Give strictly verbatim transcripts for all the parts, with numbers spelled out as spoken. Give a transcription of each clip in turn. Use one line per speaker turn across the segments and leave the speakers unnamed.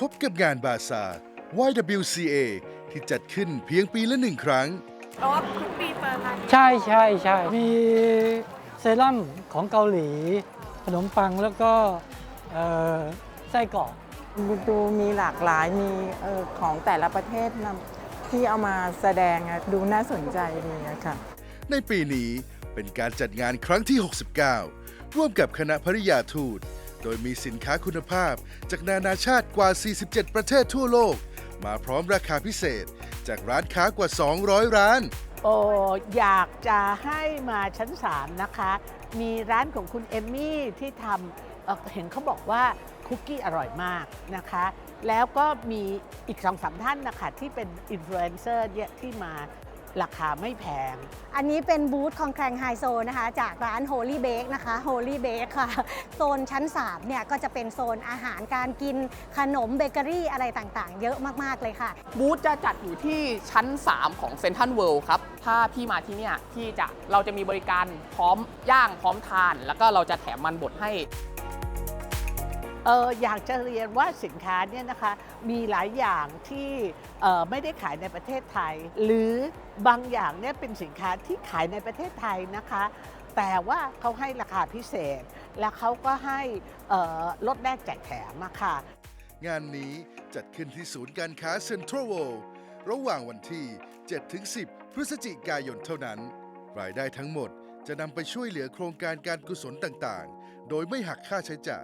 บกับงานบาซาร์ วาย ดับเบิลยู ซี เอ ที่จัดขึ้นเพียงปีละหนึ่งครั้ง
เพราะว่าทุกปีเปิดร้าน
ใช่ใช่ใช่มีเซรั่มของเกาหลี ขนมปังแล้วก็เอ่อไส้กรอก
ดูมีหลากหลายมีเออของแต่ละประเทศนำที่เอามาแสดงอะดูน่าสนใจดีอะค่ะ
ในปีนี้เป็นการจัดงานครั้งที่ หกสิบเก้า ร่วมกับคณะภริยาทูต โดยมีสินค้าคุณภาพจากนานาชาติกว่า สี่สิบเจ็ด ประเทศทั่วโลก มาพร้อมราคาพิเศษ จากร้านค้ากว่า สองร้อย ร้าน
โอ้อยากจะให้มาชั้นสามนะคะ มีร้านของคุณเอมมี่ที่ทำเอ่อเห็นเขาบอกว่าคุกกี้อร่อยมากนะคะ แล้วก็มีอีกสองสามท่านนะคะที่เป็นอินฟลูเอนเซอร์เนี่ยที่มาราคาไม่แพง
อันนี้เป็นบูธของแครงไฮโซนะคะ จากร้าน Holy Bake นะคะ Holy Bake ค่ะ โซนชั้นสามเนี่ยก็จะเป็นโซนอาหารการกินขนมเบเกอรี่อะไรต่างๆ เยอะมากๆเลยค่ะ
บูธจะจัดอยู่ที่ชั้น สาม ของเซ็นทรัลเวิลด์ครับ ถ้าพี่มาที่เนี่ยที่จะเราจะมีบริการพร้อมย่างพร้อมทาน แล้วก็เราจะแถมมันบดให้
เอออยากจะเรียนว่าสินค้าเนี่ยนะคะมีหลายอย่างที่เอ่อไม่ได้ขายในประเทศไทย หรือบางอย่างเนี่ยเป็นสินค้าที่ขายในประเทศไทยนะคะ แต่ว่าเขาให้ราคาพิเศษ และเขาก็ให้เอ่อลดแลกแจกแถมอะค่ะ
งานนี้จัดขึ้นที่ศูนย์การค้าเซ็นทรัลเวิลด์ระหว่างวันที่ เจ็ดถึงสิบ พฤศจิกายนเท่านั้น รายได้ทั้งหมดจะนำไปช่วยเหลือโครงการการกุศลต่างๆ โดยไม่หักค่าใช้จ่าย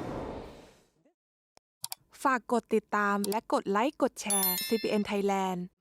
ฝากกดติดตามและกดไลค์กดแชร์ ซี พี เอ็น Thailand